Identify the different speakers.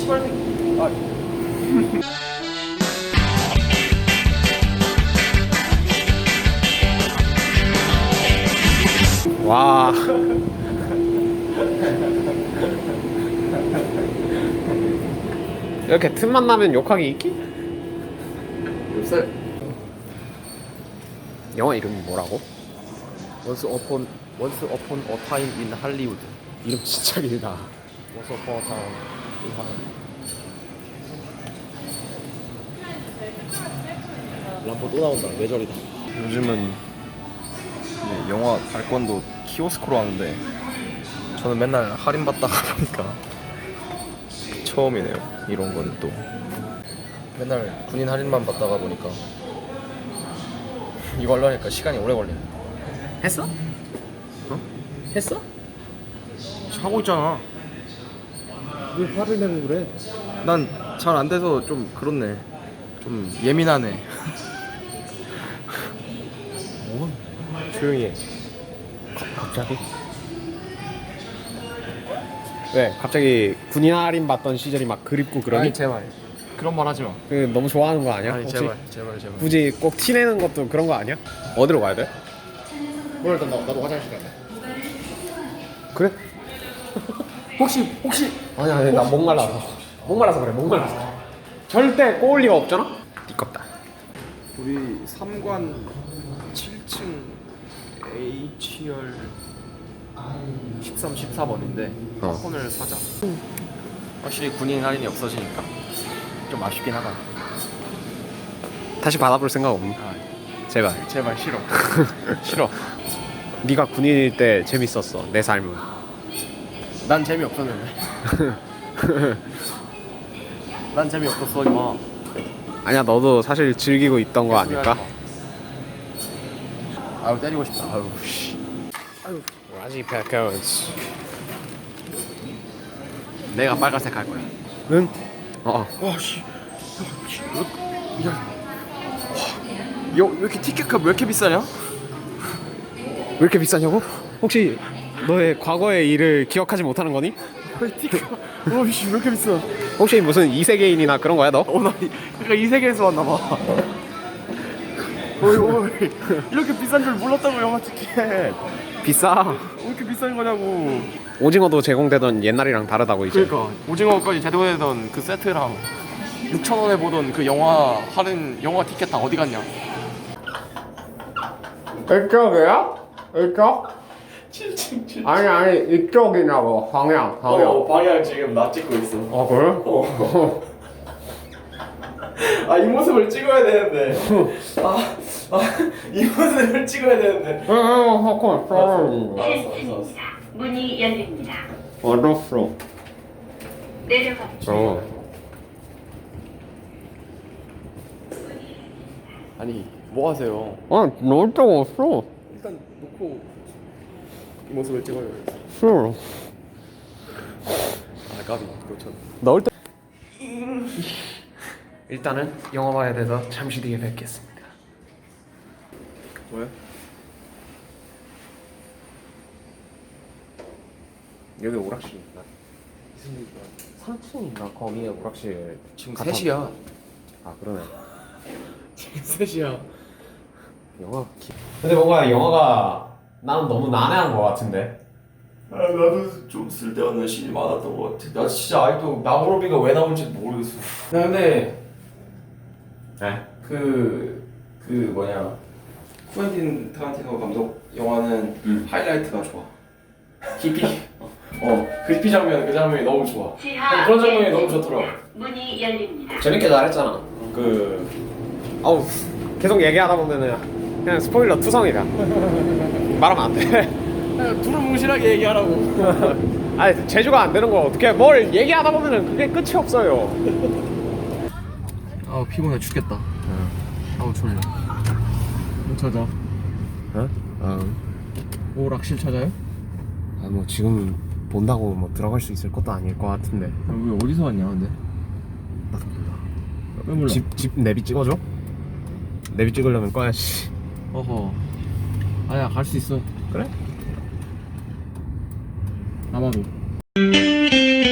Speaker 1: 시발새끼.
Speaker 2: 와. 이렇게 틈만 나면 욕하기 있기?
Speaker 1: 요새
Speaker 2: 영화 이름이 뭐라고?
Speaker 1: Once upon a time in Hollywood.
Speaker 2: 이름 진짜 길다.
Speaker 1: Once upon a time in Hollywood. 람보 또 나온다. 뇌절이다. 요즘은 영화 발권도 키오스크로 하는데 저는 맨날 할인 받다가 보니까 처음이네요. 이런 거는 또 맨날 군인 할인만 받다가 보니까 이걸로 하니까 시간이 오래 걸리네.
Speaker 2: 했어? 어? 했어?
Speaker 1: 하고 있잖아.
Speaker 2: 왜 화를 내고 그래?
Speaker 1: 난 잘 안 돼서 좀 그렇네. 좀 예민하네. 뭐? 조용히 해.
Speaker 2: 갑자기? 왜? 갑자기 군인 할인 받던 시절이 막 그립고 그러니?
Speaker 1: 아니 제발 그런 말 하지 마.
Speaker 2: 그 너무 좋아하는 거 아니야?
Speaker 1: 아니
Speaker 2: 혹시?
Speaker 1: 제발.
Speaker 2: 굳이 꼭 티내는 것도 그런 거 아니야? 어디로 가야 돼? 뭐 일단 나도 화장실 가야 돼. 그래? 혹시 아니 나 목말라서 그래. 절대 꼬울 리가 없잖아? 띠껍다.
Speaker 1: 우리 3관 7층 H열 13, 14번인데 팝콘을 사자. 확실히 군인 할인이 없어지니까 좀 아쉽긴 하다.
Speaker 2: 다시 받아볼 생각 없니?
Speaker 1: 아,
Speaker 2: 제발.
Speaker 1: 제발 싫어. 싫어.
Speaker 2: 네가 군인일 때 재밌었어 내 삶은.
Speaker 1: 난 재미없었는데. 난 재미없었어 임마.
Speaker 2: 아니야 너도 사실 즐기고 있던 거 아닐까?
Speaker 1: 아유 때리고 싶다. 아유 씨.
Speaker 2: 라지 패커즈.
Speaker 1: 내가 빨간색 할 거야.
Speaker 2: 응? 어.
Speaker 1: 와 씨. 왜 이렇게 티켓값 왜 이렇게 비싸냐?
Speaker 2: 왜 이렇게 비싸냐고? 혹시 너의 과거의 일을 기억하지 못하는 거니?
Speaker 1: 티켓. 와씨 왜 이렇게 비싸?
Speaker 2: 혹시 무슨 이세계인이나 그런 거야 너?
Speaker 1: 나 그러니까 이 세계에서 왔나 봐. 어이 이렇게 비싼 줄 몰랐다고 영화 티켓.
Speaker 2: 비싸.
Speaker 1: 왜 이렇게 비싼 거냐고.
Speaker 2: 오징어도 제공되던 옛날이랑 다르다고 이제.
Speaker 1: 그러니까 오징어까지 제공되던 그 세트랑 6,000원에 보던 그 영화 할인 영화 티켓 다 어디 갔냐?
Speaker 2: 이쪽이야? 이쪽?
Speaker 1: 7층.
Speaker 2: 아니 이쪽이냐고. 방향.
Speaker 1: 방향 지금 나 찍고 있어.
Speaker 2: 아 그래?
Speaker 1: 아 이 모습을 찍어야 되는데. 이 모습을 찍어야 되는데.
Speaker 2: 팝콘
Speaker 1: 알았어.
Speaker 3: 문이 열립니다.
Speaker 2: 알았어.
Speaker 3: 내려갑니다.
Speaker 1: 아니 뭐 하세요?
Speaker 2: 넣을 데가 없어.
Speaker 1: 일단 놓고 이 모습을 찍어요.
Speaker 2: 싫어.
Speaker 1: 아 까비 그렇죠.
Speaker 2: 넣을 때. 일단은 영화 봐야 돼서 잠시 뒤에 뵙겠습니다.
Speaker 1: 뭐야?
Speaker 2: 여기 오락실 있나? 3층인가 거기에 오락실.
Speaker 1: 지금
Speaker 2: 갔다
Speaker 1: 3시야.
Speaker 2: 아 그러네.
Speaker 1: 지금 3시야.
Speaker 2: 근데 뭔가 영화가 나는 너무 난해한 것 같은데.
Speaker 1: 아, 나도 좀 쓸데없는 신이 많았던 것 같아. 나 진짜 아직도 나무로비가 왜 나올지 모르겠어. 나 근데
Speaker 2: 네?
Speaker 1: 그 뭐냐 쿠엔틴 타란티노 감독 영화는 하이라이트가 좋아. 깊이 깊이 장면 그 장면이 너무 좋아.
Speaker 3: 지하
Speaker 1: 그런 장면이 너무 좋더라.
Speaker 3: 문이 열립니다.
Speaker 2: 재밌게 잘했잖아. 아우 계속 얘기하다 보면은 그냥 스포일러 투성이다. 말하면 안 돼.
Speaker 1: 두루뭉실하게 얘기하라고.
Speaker 2: 아니 제주가 안 되는 거 어떻게? 뭘 얘기하다 보면은 그게 끝이 없어요.
Speaker 1: 아우 피곤해 죽겠다. 아우 졸려. 뭐 찾아?
Speaker 2: 어?
Speaker 1: 오락실 찾아요?
Speaker 2: 뭐 지금 본다고 뭐 들어갈 수 있을 것도 아닐 것 같은데.
Speaker 1: 왜 어디서 왔냐 근데?
Speaker 2: 나도 몰라.
Speaker 1: 왜 몰라?
Speaker 2: 집 내비 찍어줘? 내비 찍으려면 꺼야지.
Speaker 1: 어허. 아야 갈 수 있어.
Speaker 2: 그래?
Speaker 1: 아마도.